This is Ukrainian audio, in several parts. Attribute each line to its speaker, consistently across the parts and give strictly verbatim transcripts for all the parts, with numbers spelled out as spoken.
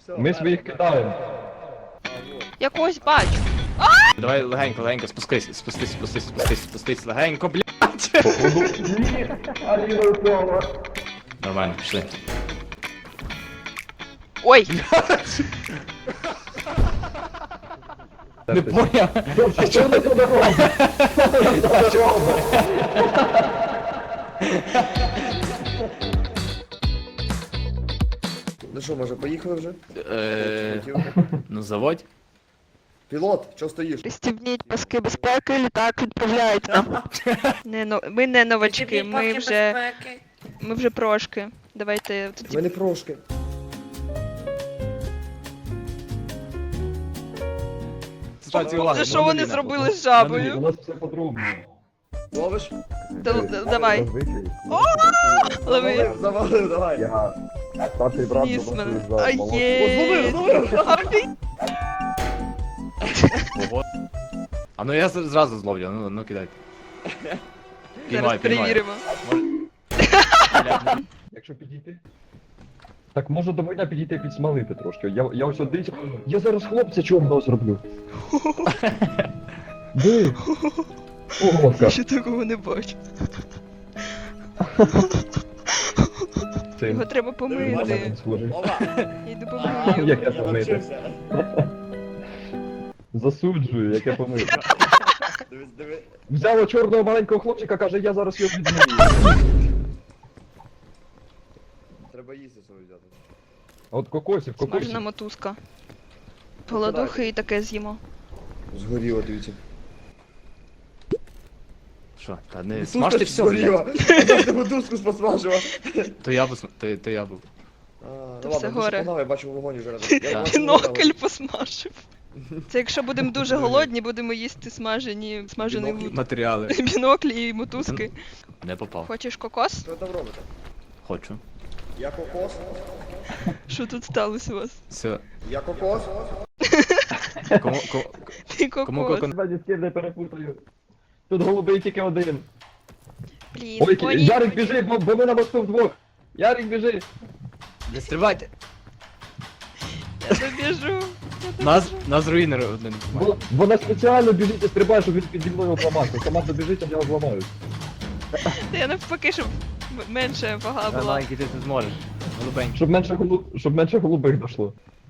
Speaker 1: Ми своїх кидаємо.
Speaker 2: Я когось бачу.
Speaker 3: Давай легенько, легенько, спускайся, спустись, спустись, спустись, спустись, легенько, блядь.
Speaker 1: Ні, Аліна впала.
Speaker 3: Нормально, пішли.
Speaker 2: Ой!
Speaker 3: Не поняв.
Speaker 1: А чого ти туди робиш?
Speaker 4: Ну що, може, поїхали вже?
Speaker 3: Е, ну заводь.
Speaker 4: Пілот, чого стоїш?
Speaker 2: Пристібніть паски безпеки, літак відправляється. Не, но- ми не новачки, ми вже, ми вже прошки. Давайте тоді.
Speaker 4: Ми не прошки.
Speaker 2: Це що вони зробили з жабою?
Speaker 1: У нас все подробно.
Speaker 4: Ловиш?
Speaker 2: Да- да- Давай. Лови.
Speaker 4: Завалив, завалив, давай.
Speaker 1: Я старший брат
Speaker 2: Ніс
Speaker 1: доносив
Speaker 2: мене.
Speaker 1: за
Speaker 2: А
Speaker 1: молодшого.
Speaker 2: є.
Speaker 4: Зловив, зловив.
Speaker 2: Офі-
Speaker 3: Ого. А ну я з- зразу зловлю, ну, ну кидай.
Speaker 2: Зараз
Speaker 3: Піймай, піймай.
Speaker 2: перевіримо.
Speaker 1: Якщо підійти. Так може до мене підійти підсмалити трошки. Я, я ось один. Я зараз хлопця чорного зроблю. Ди. Ого,
Speaker 2: Я ще такого не бачу.
Speaker 1: Це
Speaker 2: Його треба помити.
Speaker 1: схожий.
Speaker 4: Ова.
Speaker 2: Я йду помию.
Speaker 1: Як я
Speaker 4: Я
Speaker 1: помити?
Speaker 4: навчився.
Speaker 1: Засуджую, як я помив.
Speaker 4: Дивись, диви.
Speaker 1: Взяла чорного маленького хлопчика, каже, я зараз його відмию.
Speaker 4: Треба їсти свою взяти.
Speaker 1: От кокосів,
Speaker 2: Смажена
Speaker 1: кокосів.
Speaker 2: мотузка. Голодухи і таке з'їмо.
Speaker 4: Згоріло, дивіться.
Speaker 3: Що, та не смажте все,
Speaker 4: згоріло.
Speaker 3: блядь.
Speaker 4: Я тебе дуску посмажила.
Speaker 3: То я був, то, то я був.
Speaker 4: А,
Speaker 2: То
Speaker 4: ну
Speaker 2: все
Speaker 4: ладно,
Speaker 2: горе.
Speaker 4: дуже погнали, я бачу вогонь уже разом. Я
Speaker 3: Так.
Speaker 4: бачу
Speaker 2: Бінокль
Speaker 4: вогонь.
Speaker 2: посмажив. Це якщо будемо дуже голодні, будемо їсти смажені, смажений
Speaker 4: Бінокль?
Speaker 2: вуд.
Speaker 3: Матеріали.
Speaker 2: Біноклі і мотузки.
Speaker 3: Не попав.
Speaker 2: Хочеш кокос?
Speaker 4: Що ви там робите?
Speaker 3: Хочу.
Speaker 4: Я кокос.
Speaker 2: Що тут сталося у вас?
Speaker 3: Все.
Speaker 4: Я кокос.
Speaker 3: Кому, кому,
Speaker 2: Ти
Speaker 3: кому
Speaker 2: кокос.
Speaker 3: кокон...
Speaker 1: Ні з ким не перепутаю. Тут голубий тільки один.
Speaker 2: Блін,
Speaker 1: Ой,
Speaker 2: коні.
Speaker 1: Ярик біжи, бо, бо ми на мосту вдвох. Ярик біжи.
Speaker 3: Не стрибайте.
Speaker 2: Я добіжу.
Speaker 3: Нас, нас руїнер один.
Speaker 1: Бо, вона спеціально біжить і стрибає, щоб він піді мною зламався. Сама добіжить, а я зламаю.
Speaker 2: Та я навпаки, щоб м- менше вага була.
Speaker 3: Маленький, ти не зможеш. Голубенький.
Speaker 1: Щоб менше, голу... щоб менше голубих дошло.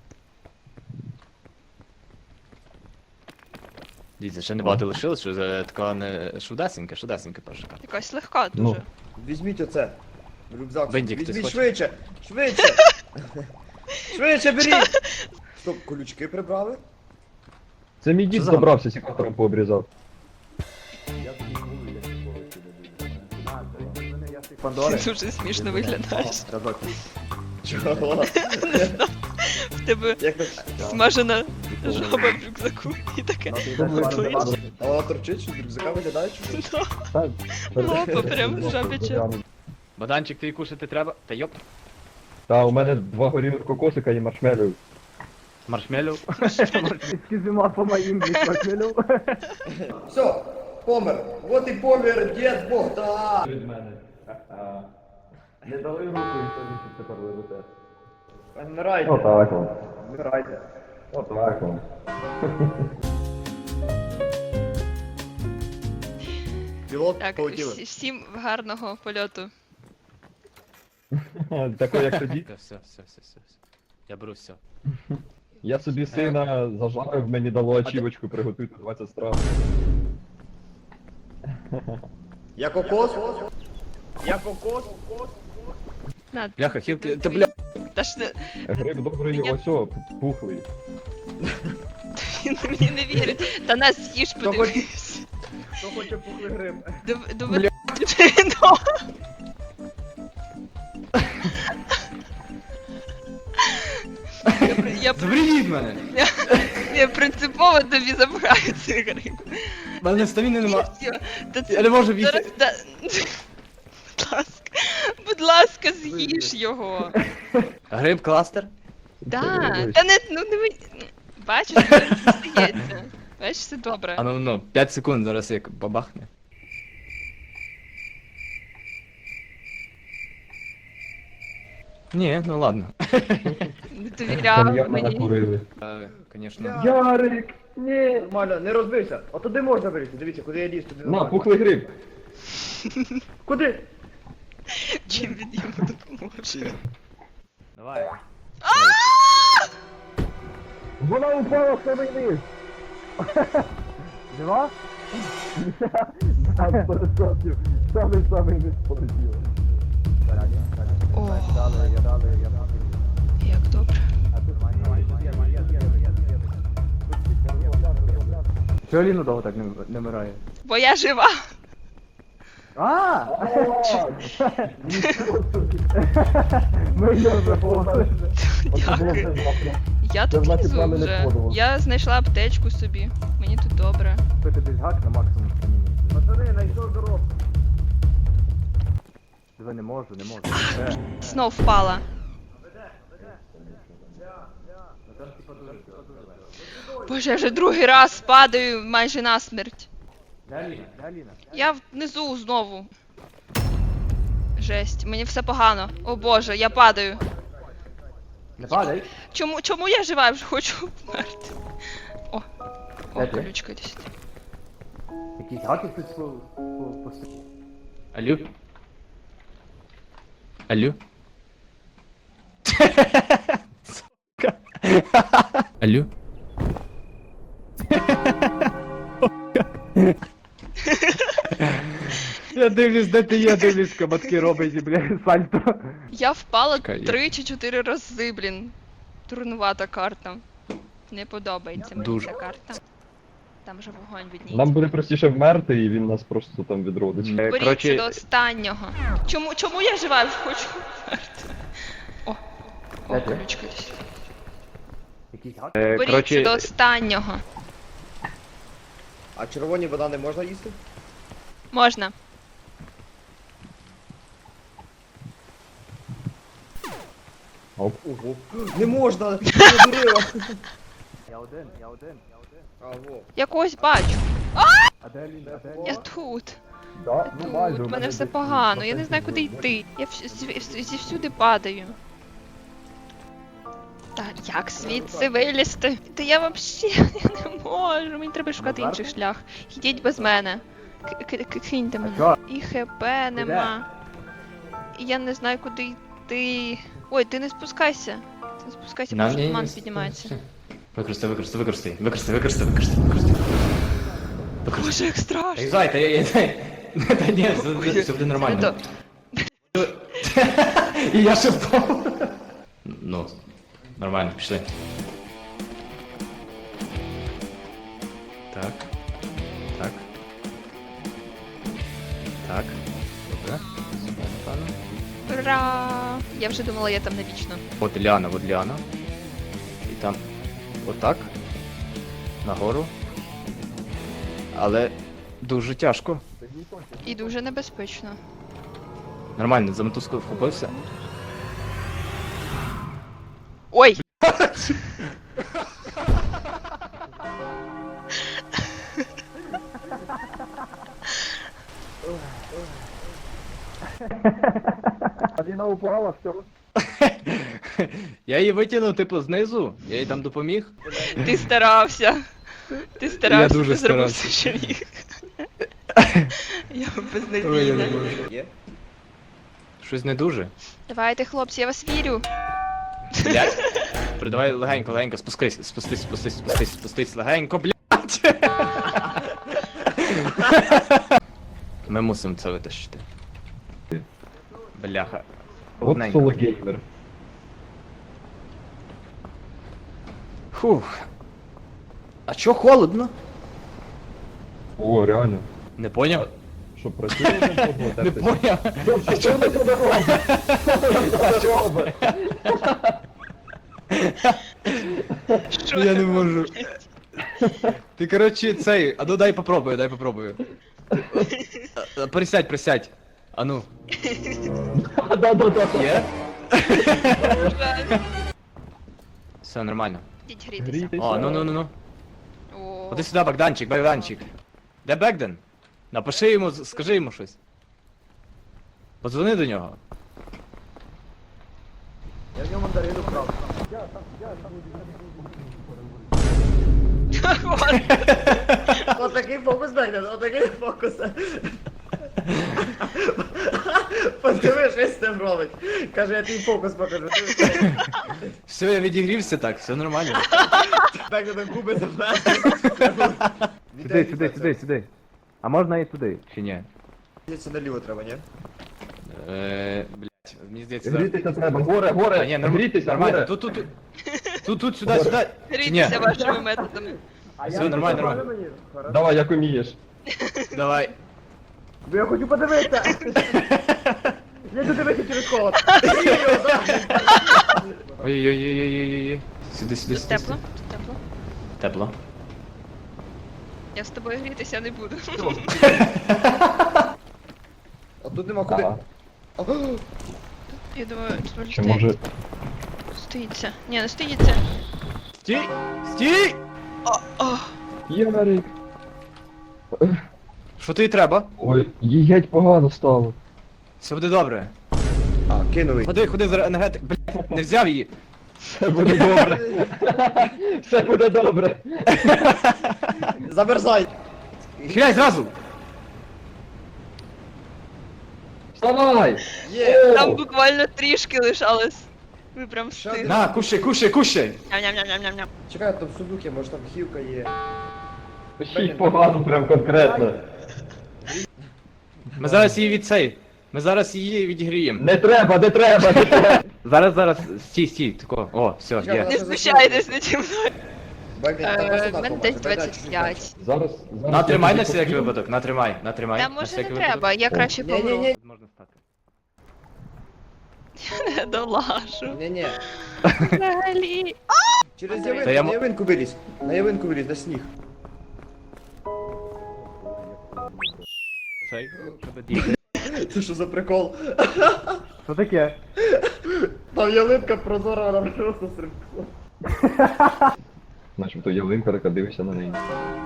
Speaker 3: Дивіться, ще небагато лишилось, що е, така не шудесенька, шудесенька перша карта.
Speaker 2: Якась легка
Speaker 1: Ну.
Speaker 2: дуже.
Speaker 4: Візьміть оце. Рюкзак.
Speaker 3: Бендік, хтось
Speaker 4: Візьміть
Speaker 3: хоче?
Speaker 4: швидше. Швидше. Швидше беріть. Стоп, колючки прибрали?
Speaker 1: Це мій дід
Speaker 3: за
Speaker 1: добрався, секатором пообрізав.
Speaker 4: Я тобі говорю, я ніколи
Speaker 2: Ти
Speaker 3: Пандори.
Speaker 2: дуже смішно виглядаєш.
Speaker 3: Разок.
Speaker 4: Чого?
Speaker 2: В тебе
Speaker 4: Як так?
Speaker 2: смажена жаба в рюкзаку і таке. обличчя.
Speaker 4: А вона торчить, що з рюкзака виглядає, чи що?
Speaker 1: Так.
Speaker 2: Лопа прям жабяче.
Speaker 3: Баданчик, ти кушати треба? Та йоп.
Speaker 1: Та, у мене два горілих кокосика і маршмелів.
Speaker 3: Маршмеллоу.
Speaker 4: Все, помер. Вот і помер дід Богдан.
Speaker 1: Від мене. Не дали руку і тобі тепер лежите.
Speaker 4: Вмирайте.
Speaker 1: Отак вам.
Speaker 4: Вмирайте.
Speaker 1: Отак вам.
Speaker 4: Пілот
Speaker 2: Так,
Speaker 4: полетіли.
Speaker 2: всі- всім гарного польоту.
Speaker 1: Тако як тоді.
Speaker 3: Все, все, все, все, все. Я беру все.
Speaker 1: Я собі сина зажарив, мені дало ачівочку, приготуйте двадцять страв.
Speaker 4: Я кокос. Я кокос.
Speaker 2: На,
Speaker 3: Бляха, хілки, та бля.
Speaker 2: та ж не,
Speaker 1: Гриб добрий,
Speaker 2: Мені-
Speaker 1: ось о, пухлий.
Speaker 2: він мені не вірить. Та нас з'їж,
Speaker 4: Хто
Speaker 2: подивись.
Speaker 4: Хто хоче пухлий гриб?
Speaker 2: Дов- Доведи. Ну. Я при- Я, при-
Speaker 3: Заберіть мене!
Speaker 2: я принципово тобі забираю цей гриб.
Speaker 3: У мене стаміни нема.
Speaker 2: Всьо. Та це
Speaker 3: Я не можу
Speaker 2: зараз.
Speaker 3: бігти.
Speaker 2: Да... Будь ласка, будь ласка, з'їж його.
Speaker 3: Гриб кластер?
Speaker 2: Да, та не, ну не ви- бачиш, це стається. Бачиш, все добре.
Speaker 3: А ну ну, п'ять секунд зараз як бабахне. Ні, ну ладно.
Speaker 2: Не
Speaker 1: Там
Speaker 2: довіряв
Speaker 1: явно
Speaker 2: мені.
Speaker 1: накурили.
Speaker 3: Е, Конечно.
Speaker 1: Ярик! Ні!
Speaker 4: Нормально, не розбився. А туди можна вилізти, дивіться, куди я ліз, туди
Speaker 1: На,
Speaker 4: нормально.
Speaker 1: пухлий гриб!
Speaker 4: Куди?
Speaker 2: Чим він йому допоможе?
Speaker 3: Давай.
Speaker 1: Вона упала в самий низ!
Speaker 4: Жива?
Speaker 1: Там сто відсотків. Самий-самий низ полетіло.
Speaker 2: О, як добре.
Speaker 3: Чого Ліна довго так не, не вмирає?
Speaker 2: Бо я жива.
Speaker 3: А!
Speaker 1: Ми його заповнили.
Speaker 2: Дякую. Я
Speaker 1: Це
Speaker 2: тут
Speaker 1: значить,
Speaker 2: лізу
Speaker 1: плани не
Speaker 2: вже.
Speaker 1: входило.
Speaker 2: Я знайшла аптечку собі. Мені тут добре.
Speaker 3: Пити десь гак на максимум стаміні.
Speaker 4: Пацани, знайшов дорогу.
Speaker 3: Диви, не можу, не можу.
Speaker 2: Знов впала. Боже, я вже другий раз падаю майже насмерть.
Speaker 3: Де Аліна? Де Аліна?
Speaker 2: Я внизу знову. Жесть, мені все погано. О боже, я падаю.
Speaker 3: Не падай.
Speaker 2: Чому, чому я жива? Я вже хочу вмерти. О, о,
Speaker 3: Де ти?
Speaker 2: колючка десь.
Speaker 3: Якісь гаки хтось по... по... Алло? Алло? Сука. Алло? Я дивлюсь, де ти є, дивлюсь, кабатки робить, бля, сальто.
Speaker 2: Я впала
Speaker 3: Чекай, я-
Speaker 2: три чи чотири рази, блін. Труднувата карта. Не подобається мені
Speaker 3: Дуже.
Speaker 2: ця карта. Там же вогонь відніється.
Speaker 1: Нам буде простіше вмерти, і він нас просто там відродить.
Speaker 3: Е,
Speaker 2: Боріться
Speaker 3: коротше-
Speaker 2: до останнього. Чому, чому я жива? Я вже хочу вмерти. О, о,
Speaker 3: Де ти?
Speaker 2: колючка десь.
Speaker 3: Якісь гаки?
Speaker 2: Боріться
Speaker 3: коротше,
Speaker 2: до останнього.
Speaker 4: А червоні банани можна їсти?
Speaker 2: Можна.
Speaker 1: Оп.
Speaker 4: Ого. Не можна! Ти надурила!
Speaker 3: я один, я один, я один.
Speaker 4: А, во.
Speaker 2: Я когось бачу.
Speaker 3: А де Аліна? А де
Speaker 2: Я тут.
Speaker 1: Да? Ну, майже,
Speaker 2: Тут.
Speaker 1: у
Speaker 2: У мене все
Speaker 1: десь
Speaker 2: погано. Я не
Speaker 1: процентів
Speaker 2: знаю, куди йти. Я вс- зв- зв- зівсюди падаю. Та як звідси вилізти? Та я вообще я не можу. Мені треба шукати
Speaker 3: Назад?
Speaker 2: інший шлях. Йдіть без мене. К- к- к- Киньте мене.
Speaker 3: чо?
Speaker 2: І хп нема. І я не знаю, куди йти. Ой, ти не спускайся. Ти не спускайся, бо вже туман піднімається.
Speaker 3: Використай, використай, використай, використай, використай, використай, використай.
Speaker 2: Боже, як страшно.
Speaker 3: Ей, та я, я, та ні, все- все буде нормально.
Speaker 2: То-
Speaker 3: І я ще впав. Ну, нормально, пішли. Так. Так. Так. Добре. Сюди, напевно.
Speaker 2: Ура! Я вже думала, я там навічно.
Speaker 3: От Ліана, от Ліана. І там отак. Нагору. Але дуже тяжко.
Speaker 2: І дуже небезпечно.
Speaker 3: Нормально, за мотузку вхопився.
Speaker 2: Ой!
Speaker 1: Аліна упала, все.
Speaker 3: Я її витягнув, типу, знизу, я їй там допоміг.
Speaker 2: Ти старався. Ти старався,
Speaker 3: дуже
Speaker 2: ти зробив
Speaker 3: старався.
Speaker 2: все, що міг. Я
Speaker 3: Ой, я
Speaker 2: безнадійна.
Speaker 3: не можу.
Speaker 4: Є?
Speaker 3: Щось не дуже.
Speaker 2: Давайте, хлопці, я вас вірю.
Speaker 3: Блять. Давай легенько, легенько, спускайся, спустись, спустись, спустись, спустись, легенько, блять. Ми мусимо це витащити. Бляха.
Speaker 1: От
Speaker 3: Одненько.
Speaker 1: соло геймер.
Speaker 3: Фух. А чо холодно?
Speaker 1: О, реально.
Speaker 3: Не поняв?
Speaker 1: Що, працює один по одному
Speaker 3: Не
Speaker 1: тертись?
Speaker 3: поняв.
Speaker 1: А чого ви туди робите? А чого ви?
Speaker 2: Що
Speaker 3: Я
Speaker 2: це?
Speaker 3: не можу. Ти, коротше, цей, а ну дай попробую, дай попробую. А, а, Присядь, присядь. А ну.
Speaker 1: Да-да-да.
Speaker 3: Є?
Speaker 2: Жаль.
Speaker 3: Все нормально.
Speaker 2: Ідіть грітися.
Speaker 1: Грійтеся.
Speaker 3: О, ну ну ну ну.
Speaker 2: О,
Speaker 3: Ходи сюди, Богданчик, Богданчик. Де Бегден? Напиши йому, скажи йому щось. Подзвони до нього.
Speaker 4: Отакий фокус, Бегден, отакий фокус. Подиви, що з цим робить. Каже, я твій фокус покажу.
Speaker 3: Все, я відігрівся так, все нормально.
Speaker 4: Бегден губи заплетені.
Speaker 3: Сюди, сюди, сюди, сюди. А можна і туди, чи ні?
Speaker 4: Це наліво треба, ні?
Speaker 3: Е, блять, мені здається, зараз-
Speaker 1: Грітися треба, горе,
Speaker 3: А,
Speaker 1: горе,
Speaker 3: ні, норм-
Speaker 1: грітися,
Speaker 3: нормально.
Speaker 1: горе.
Speaker 3: Тут, тут, тут. Тут, тут, сюди, сюди. Чи ні?
Speaker 2: Грійтеся вашими методами.
Speaker 3: Все, нормально, нормально.
Speaker 1: Давай, як умієш.
Speaker 3: Давай.
Speaker 4: Бо я хочу подивитися. Я хочу дивитися через холод.
Speaker 3: Ой-ой-ой-ой-ой-ой. Сюди, сюди,
Speaker 2: Тут
Speaker 3: сюди.
Speaker 2: тепло, тут тепло.
Speaker 3: Тепло.
Speaker 2: Я з тобою грітися не буду.
Speaker 4: А тут нема куди.
Speaker 1: Ага.
Speaker 2: Я думаю, тут може
Speaker 1: Чи може...
Speaker 2: стоїть. Стоїться. Ні, не стоїться.
Speaker 3: Стій! Стій!
Speaker 2: О, о.
Speaker 1: Ярик.
Speaker 3: Що тобі треба?
Speaker 1: Ой, їй геть погано стало.
Speaker 3: Все буде добре.
Speaker 4: А, кинули.
Speaker 3: Ходи, ходи за енергетик. Блять, не взяв її.
Speaker 1: Все буде добре. Все буде добре.
Speaker 4: Замерзай.
Speaker 3: Хиляй зразу!
Speaker 1: Вставай!
Speaker 4: Є.
Speaker 2: Там
Speaker 1: О!
Speaker 2: буквально трішки лишалось. Ви прям
Speaker 4: Що
Speaker 2: встигли.
Speaker 3: На, кушай, кушай, кушай!
Speaker 2: Ням-ням-ням-ням-ням.
Speaker 4: Чекай, там сундук є, може там хівка є.
Speaker 1: Їй погано прям конкретно.
Speaker 3: Ми зараз її від цей. Ми зараз її відігріємо.
Speaker 1: Не треба, не треба, не треба.
Speaker 3: Зараз, зараз, стій, стій, тако. О, все,
Speaker 4: Чекай,
Speaker 3: є.
Speaker 2: Не знущайтесь наді мною.
Speaker 4: Бегден, там
Speaker 2: Е,
Speaker 4: просто
Speaker 2: в мене
Speaker 4: так
Speaker 2: десь
Speaker 4: побачиш,
Speaker 2: двадцять п'ять.
Speaker 1: Зараз, зараз...
Speaker 3: Натримай
Speaker 1: я
Speaker 3: на
Speaker 1: тобі
Speaker 3: всяк
Speaker 1: покажу.
Speaker 3: випадок, натримай, натримай.
Speaker 2: Та
Speaker 3: на
Speaker 2: може не
Speaker 3: всякий
Speaker 2: треба,
Speaker 3: випадок.
Speaker 2: я краще помру.
Speaker 4: Ні-ні-ні.
Speaker 3: Можна стати.
Speaker 2: Долашу.
Speaker 4: Ні-ні.
Speaker 2: Взагалі.
Speaker 4: Через
Speaker 3: Та
Speaker 4: явинку,
Speaker 3: я
Speaker 4: на
Speaker 3: м-
Speaker 4: явинку вилізь. На явинку вилізь, на сніг.
Speaker 3: Цей, що ти діє?
Speaker 4: Це що за прикол?
Speaker 3: Що таке?
Speaker 4: Там ялинка прозора, вона просто стрибкла.
Speaker 1: Начебто ялинка, така дивишся на неї.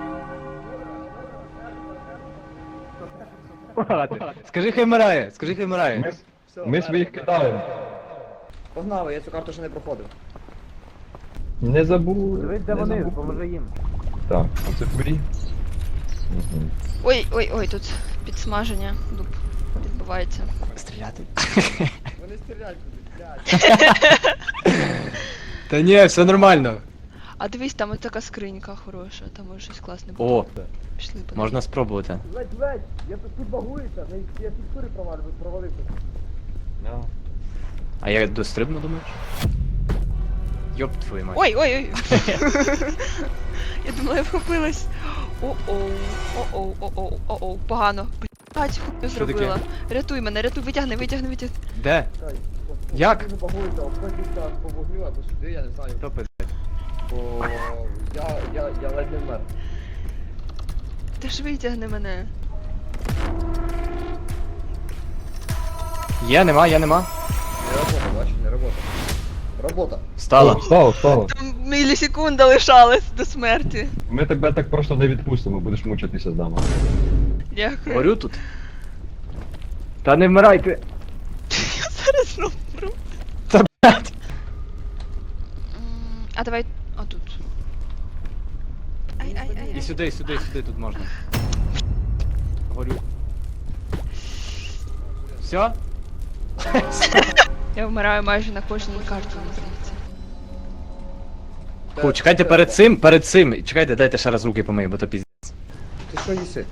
Speaker 3: Скажи, хай вмирає, скажи, хай вмирає.
Speaker 1: Ми,
Speaker 4: Все,
Speaker 1: ми своїх кидаємо.
Speaker 4: Погнали, я цю карту ще не проходив.
Speaker 1: Не забув.
Speaker 3: Дивись, де
Speaker 1: не
Speaker 3: вони,
Speaker 1: забув.
Speaker 3: поможи їм.
Speaker 1: Так, оце фурі. Угу.
Speaker 2: Ой, ой, ой, тут підсмаження дуб відбувається.
Speaker 3: Стріляти.
Speaker 4: Вони стріляють будуть, блядь.
Speaker 3: Та ні, все нормально.
Speaker 2: А дивись, там ось така скринька хороша, там може щось класне буде.
Speaker 3: О,
Speaker 2: Пішли подивимось.
Speaker 3: можна спробувати.
Speaker 4: Ледь, ледь, я тут тут багуюся, я фіксури провалив, провалився.
Speaker 3: А я дострибну, думаєш? Йоп твою мать.
Speaker 2: Ой, ой, ой. Я думала, я вхопилась. О-оу, о-оу, о-оу, о-оу, погано. Блять, хуйню зробила. Рятуй мене, рятуй, витягни, витягни, витягни.
Speaker 3: Де? Як?
Speaker 4: Не багуюся, обходиться по вогню або сюди, я не знаю.
Speaker 3: Хто пиздить?
Speaker 4: Бо я, я, я ледь не вмер.
Speaker 2: Ти ж витягни мене.
Speaker 3: Є, нема, є, нема.
Speaker 4: Не робота, бачиш, не робота. Робота.
Speaker 3: Встала.
Speaker 1: Встало, встало.
Speaker 2: Там мілісекунда лишалась до смерті.
Speaker 1: Ми тебе так просто не відпустимо, будеш мучитися з нами.
Speaker 2: Дякую.
Speaker 3: Горю тут. Та не вмирайте.
Speaker 2: Я зараз знову вмру.
Speaker 3: Та блять.
Speaker 2: М, А давай отут. Ай, ай, ай,
Speaker 3: І
Speaker 2: ай.
Speaker 3: сюди, і сюди, і сюди тут можна. Горю. Все?
Speaker 2: Я вмираю майже на кожній карті, мені здається.
Speaker 3: Фу, чекайте перед цим, перед цим. Чекайте, дайте ще раз руки помию, бо то пізд.
Speaker 4: Ти що їси?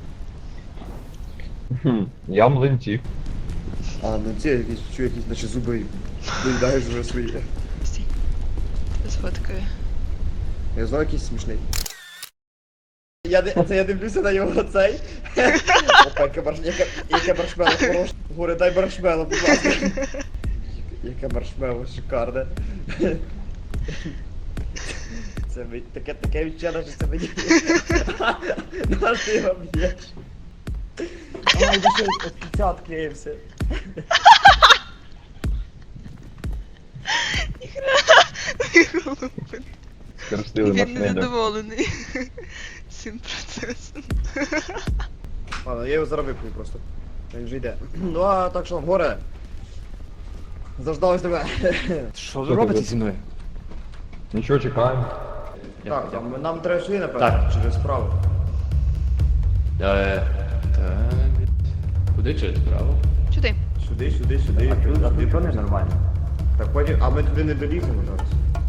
Speaker 1: Хм, я млинці.
Speaker 4: А, ну ці якісь, чую, якісь наче зуби доїдаєш вже свої.
Speaker 2: Стій. Сфоткаю.
Speaker 4: Я знаю якийсь смішний. Я, ди- це я дивлюся на його цей. Опа, яке марш... яке, яке маршмело хороше. Горе, дай маршмело, будь ласка. Яке маршмело шикарне. Це ми... таке, таке відчуття, що це мені. Наш ти його б'єш. Ай, ви що, от п'ятдесят клеївся.
Speaker 1: Скористили
Speaker 2: Він
Speaker 1: маршмеллоу.
Speaker 2: незадоволений цим процесом.
Speaker 4: Ладно, я його зараз випню просто. Він вже йде. Ну а так що, горе. Заждалось тебе.
Speaker 3: Що ви робите зі мною?
Speaker 1: Нічого, чекаємо.
Speaker 4: Так, нам, нам треба сюди, напевно,
Speaker 3: Так.
Speaker 4: через справу.
Speaker 3: Е, так. Куди через право?
Speaker 2: Сюди.
Speaker 4: Сюди, сюди, сюди. А тут, а тут що не нормально? Так потім, а ми туди не доліземо зараз.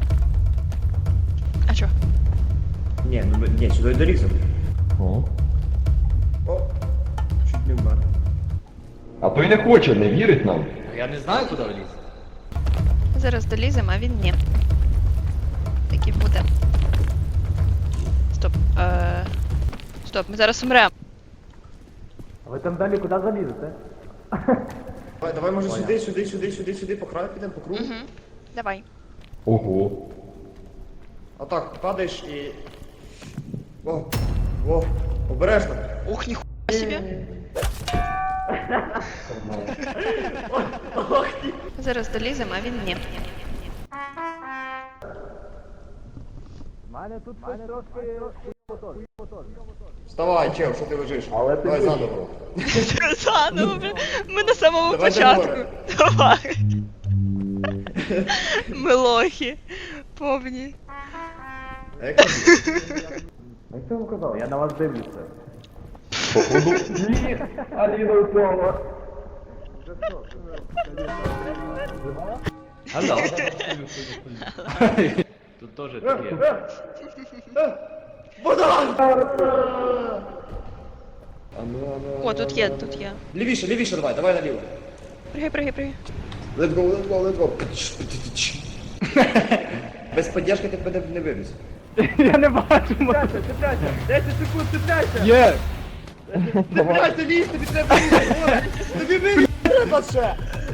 Speaker 2: А чо?
Speaker 4: Ні, ну ми, ні, сюди доліземо.
Speaker 1: О.
Speaker 4: О, чуть не вмер.
Speaker 1: А той не хоче, не вірить нам.
Speaker 3: Я не знаю, куди вліз.
Speaker 2: Зараз доліземо, а він ні. Так і буде. Стоп. Е... Стоп, ми зараз умремо.
Speaker 3: А ви там далі куди залізете?
Speaker 4: Давай, давай, може сюди, сюди, сюди, сюди, сюди, по краю підемо, по кругу.
Speaker 2: Угу. Давай.
Speaker 1: Ого.
Speaker 4: А так, падаєш і... О, о, обережно.
Speaker 2: Ух, ніхуя собі. Зараз доліземо, а він ні.
Speaker 4: Вставай, чел, що ти лежиш?
Speaker 1: Але ти
Speaker 4: Давай
Speaker 1: вижив.
Speaker 4: заново.
Speaker 2: Заново, блін. Ми на самому
Speaker 4: Давай
Speaker 2: початку.
Speaker 4: догори.
Speaker 2: Давай. Ми лохи. Повні.
Speaker 4: А як тобі?
Speaker 3: Як ти вам казав? Я на вас дивлюся.
Speaker 1: Походу. Ні, Аліна упала.
Speaker 3: Алло. Тут теж таке.
Speaker 4: Богдан!
Speaker 2: О, тут є, тут є.
Speaker 4: Лівіше, лівіше давай, давай наліво.
Speaker 2: Пригай, пригай, пригай.
Speaker 4: Let's go, let's go, let's go. Без поддержки ти б не вивіз.
Speaker 3: Я не бачу.
Speaker 4: десять секунд, цепляйся!
Speaker 3: Є!
Speaker 4: Цепляйся, лізь, тобі треба лізти! Тобі вивіз треба ще!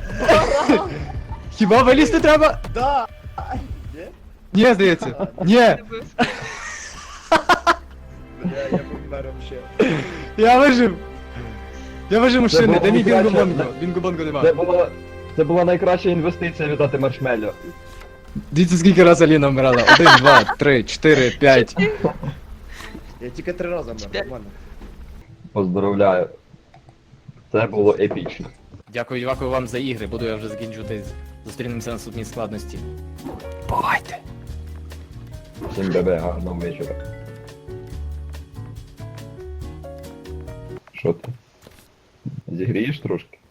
Speaker 3: Хіба вилізти треба?
Speaker 4: Да!
Speaker 3: Ні, здається. Ні,
Speaker 2: Не бив.
Speaker 4: Бля, я помер вообще.
Speaker 3: я вижив. Я вижив мужчини,
Speaker 1: було
Speaker 3: де мій
Speaker 1: найкраще.
Speaker 3: бінго-бонго? Бінго-бонго
Speaker 1: Це
Speaker 3: нема.
Speaker 1: була, це була найкраща інвестиція віддати маршмелло.
Speaker 3: Дивіться, скільки раз Аліна вмирала. Один, два, три, чотири, п'ять.
Speaker 4: Я тільки три рази вмер, нормально.
Speaker 1: Поздравляю. Це було епічно.
Speaker 3: Дякую, дякую вам за ігри. Буду я вже закінчувати. Зустрінемося на наступній складності. Бувайте!
Speaker 1: Всім бебе, гарного вечора. Що ти? Зігрієш трошки?